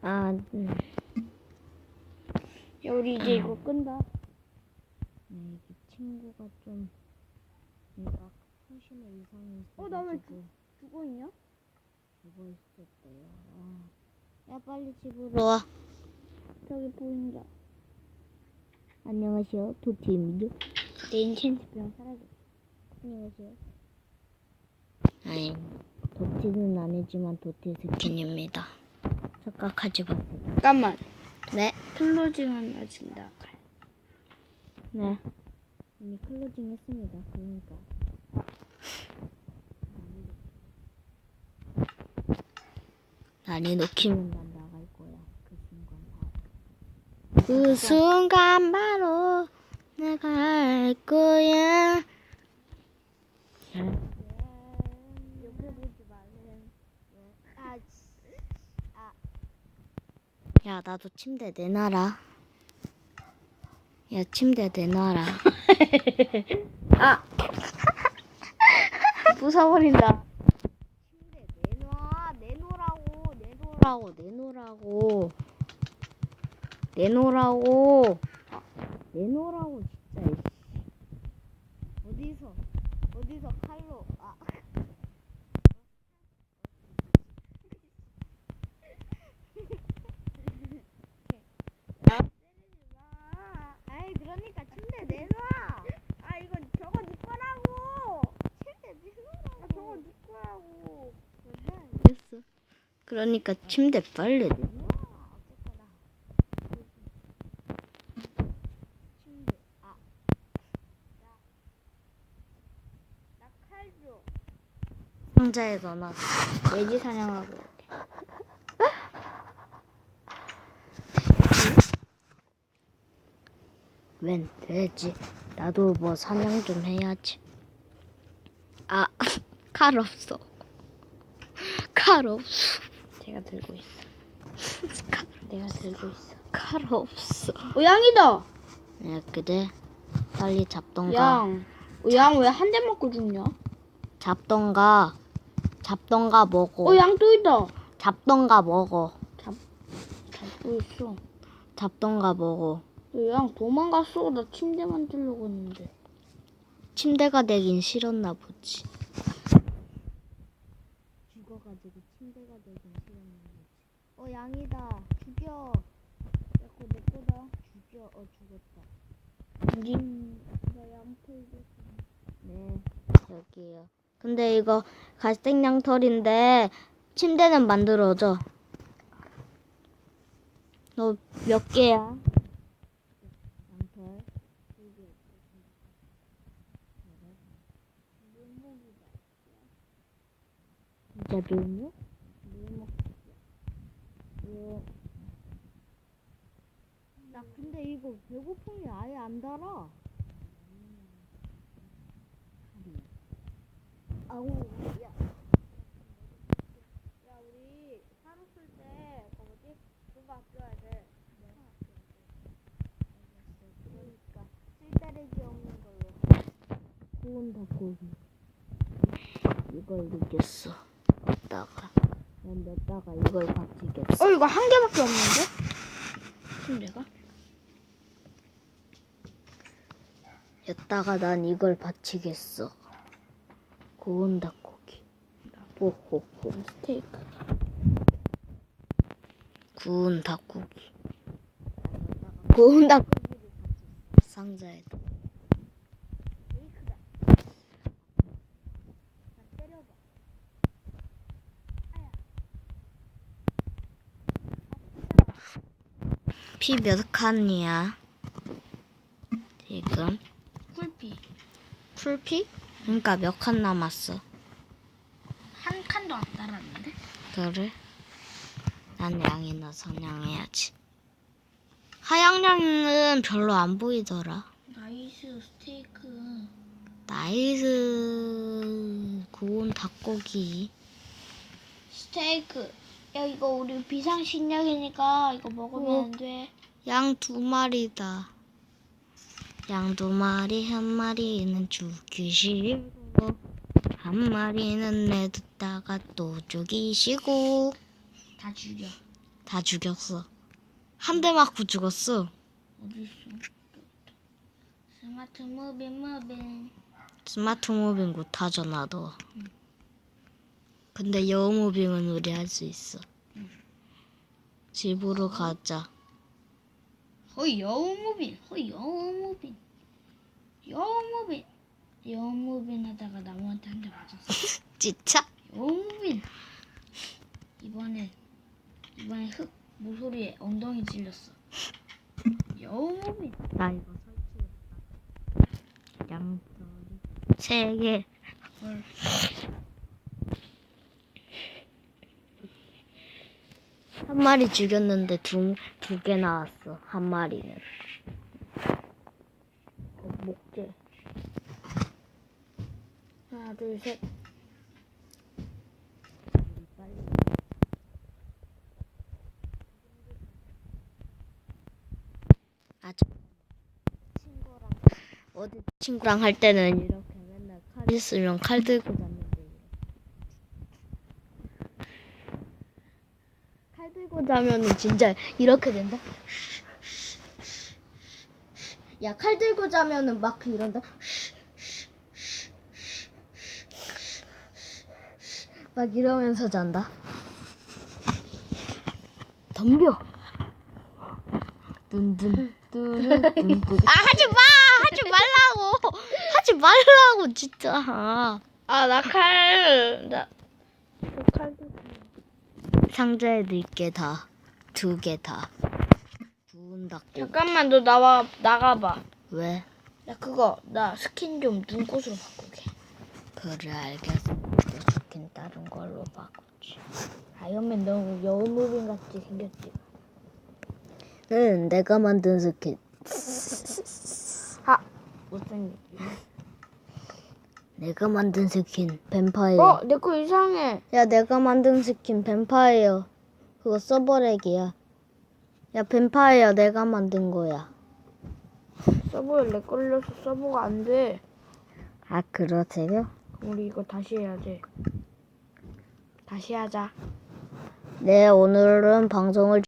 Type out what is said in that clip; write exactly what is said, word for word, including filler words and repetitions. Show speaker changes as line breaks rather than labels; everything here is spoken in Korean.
아, 음.
야, 우리 이제 이거 끈다.
네, 이 친구가 좀 얘가 컨디션에 이상이 있어가지고
어, 나 왜 죽어 있냐?
죽어 있었대요. 아. 야, 빨리 집으로 와.
저기 보인다.
안녕하세요, 도티입니다.
내 인챈트 병 사라졌어. 안녕하세요.
아니, 도티는 아니지만 도티 스킨입니다. 착각하지 마세요.
잠깐만.
네,
클로징은 아직 나가.
네. 이미 클로징 했습니다. 그러니까. 난이 놓기면 난 나갈 거야. 그 순간 바로. 그 순간 바로 내가 알 거야.
옆에 보지 말래.
아, 아. 야, 나도 침대 내놔라. 야, 침대 내놔라.
아! 부숴버린다.
침대 내놔. 내놓으라고. 내놓으라고. 내놓으라고. 내놓으라고. 내놓으라고 진짜. 어디서 어디서 칼로. 아. 아이, 그러니까 침대 내놔.
아, 이거 저거 네 거라고.
침대 내놓으라고.
아, 저거 네 거라고.
알겠어. 그러니까 침대 빨리 내놔. 어쨌거나. 침대. 아.
나 칼 줘.
상자에 넣어놔.
돼지 사냥하고 올게.
웬 돼지. 나도 뭐 사냥 좀 해야지. 아, 칼 없어. 칼 없어.
제가 들고 있어. 내가 들고 있어.
칼 없어.
어, 양이다.
야, 그래. 빨리 잡던가.
양. 어, 양 왜 한 대 맞고 죽냐?
잡던가. 잡던가 먹어.
어, 양 또 있다.
잡던가 먹어.
잡고 있어.
잡던가 먹어.
어, 양 도망갔어. 나 침대 만들려고 했는데.
침대가 되긴 싫었나 보지. 죽어가지고 침대가 되긴 싫었나 보지. 어, 양이다. 죽여.
야, 그거 내 거다.
죽여. 어, 죽었다.
님, 나 양털 줘.
네, 여기요. 근데 이거 갈색 양털인데 침대는 만들어져. 너 몇 개야? 양털. 진짜 묘목? 묘목. 묘. 나 근데 이거 배고픔이 아예 안 달아. 아우, 야.
야, 우리 사료 쓸때 그거 뭐지? 그거 아껴야 돼.
그러니까 쓸데레기 없는 걸로. 구운 닭고기. 이걸 넣겠어. 넣다가. 난 넣다가 이걸 바치겠어.
어, 이거 한 개밖에 없는데? 침대가?
여기다가 난 이걸 바치겠어. 구운 닭고기. 호호호.
스테이크.
구운 닭고기. 구운 닭고기를 바쳤어. 상자에다.
스테이크다. 나 때려봐. 아야.
피 몇 칸이야? 지금?
쿨피.
풀피? 그러니까 몇 칸 남았어?
한 칸도 안 달았는데?
그래? 난 양이나 사냥해야지. 하양 양은 별로 안 보이더라.
나이스 스테이크.
나이스. 구운 닭고기.
스테이크. 야, 이거 우리 비상식량이니까 이거 먹으면
어.
안 돼.
양 두 마리다. 양 두 마리, 한 마리는 죽이시고 한 마리는 내뒀다가 또 죽이시고.
다 죽여.
다 죽였어. 한 대 맞고 죽었어.
어디 있어? 스마트 무빙 무빙.
스마트 무빙 못하잖아 너. 근데 여우 무빙은 우리 할 수 있어. 집으로 가자.
허이 여우 무빙. 허이 여우 무빙. 여우 무빙. 여우 무빙 하다가 나무한테 한 대 맞았어.
진짜?
여우 무빙. 이번에 이번에 흙 모서리에 엉덩이 찔렸어. 여우 무빙.
나 이거 설치했다. 양털이 세 개.
헐.
한 마리 죽였는데 두 두 개 나왔어. 한 마리는.
어, 목재. 하나 둘 셋.
아, 저 친구랑 어디 친구랑 할 때는 이렇게 맨날 칼 있으면 칼 들고 잤는데 칼 들고 자면은 진짜 이렇게 된다. 야, 칼 들고 자면은 막 이런다. 막 이러면서 잔다. 덤벼. 둔둔 뚜루둔둔. 아, 하지 마! 하지 말라고! 하지 말라고, 진짜.
아 나 칼. 나 칼.
상자에 넣을게 다. 두 개 다. 구운 닭고.
잠깐만 너 나와 나가봐.
왜?
나 그거 나 스킨 좀 눈꽃으로 바꾸게.
그래, 알겠어. 좋긴 다른 걸로 바꾸지.
아이언맨 너무 여우무빙 같이 생겼지.
응, 내가 만든 스킨.
아 못생겼지.
내가 만든 스킨. 뱀파이어.
어 내 거 이상해.
야, 내가 만든 스킨 뱀파이어. 그거 서버렉이야. 야, 뱀파이어 내가 만든 거야.
서버에 렉 걸려서 서버가 안 돼.
아, 그러세요?
우리 이거 다시 해야 돼. 다시 하자.
네, 오늘은 방송을